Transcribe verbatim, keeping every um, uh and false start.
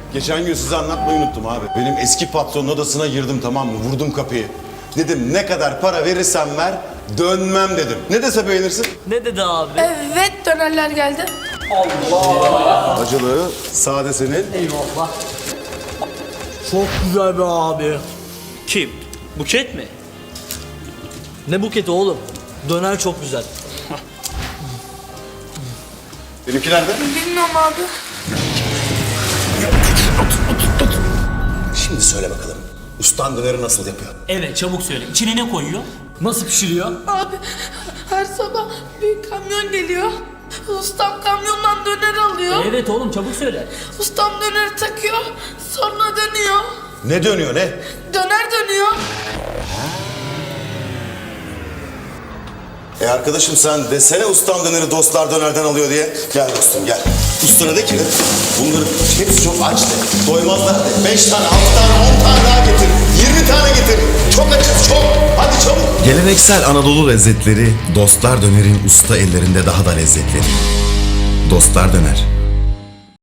Geçen gün size anlatmayı unuttum abi. Benim eski patronun odasına girdim, tamam mı? Vurdum kapıyı. Dedim ne kadar para verirsen ver, dönmem dedim. Ne dese beğenirsin? Ne dedi abi? Evet, dönerler geldi. Acılı, sade senin. Eyvallah. Çok güzel be abi. Kim? Buket mi? Ne buketi oğlum? Döner çok güzel. Benimki nerede? Bilmiyorum abi. Şimdi söyle bakalım. Ustan döneri nasıl yapıyor? Evet, çabuk söyle. İçine ne koyuyor? Nasıl pişiriyor? Abi her sabah bir kamyon geliyor. Ustam kamyondan döner alıyor. Evet oğlum, çabuk söyle. Ustam döneri takıyor. Sonra dönüyor. Ne dönüyor ne? Döner dönüyor. E arkadaşım sen desene ustam döneri dostlar dönerden alıyor diye. Gel dostum gel. Ustana de ki bunların hepsi çok aç de. Doymazlar de. Beş tane, altı tane, on tane daha getir. Yirmi tane getir. Çok açız çok. Hadi çabuk. Geleneksel Anadolu lezzetleri Dostlar Döner'in usta ellerinde daha da lezzetli. Dostlar Döner.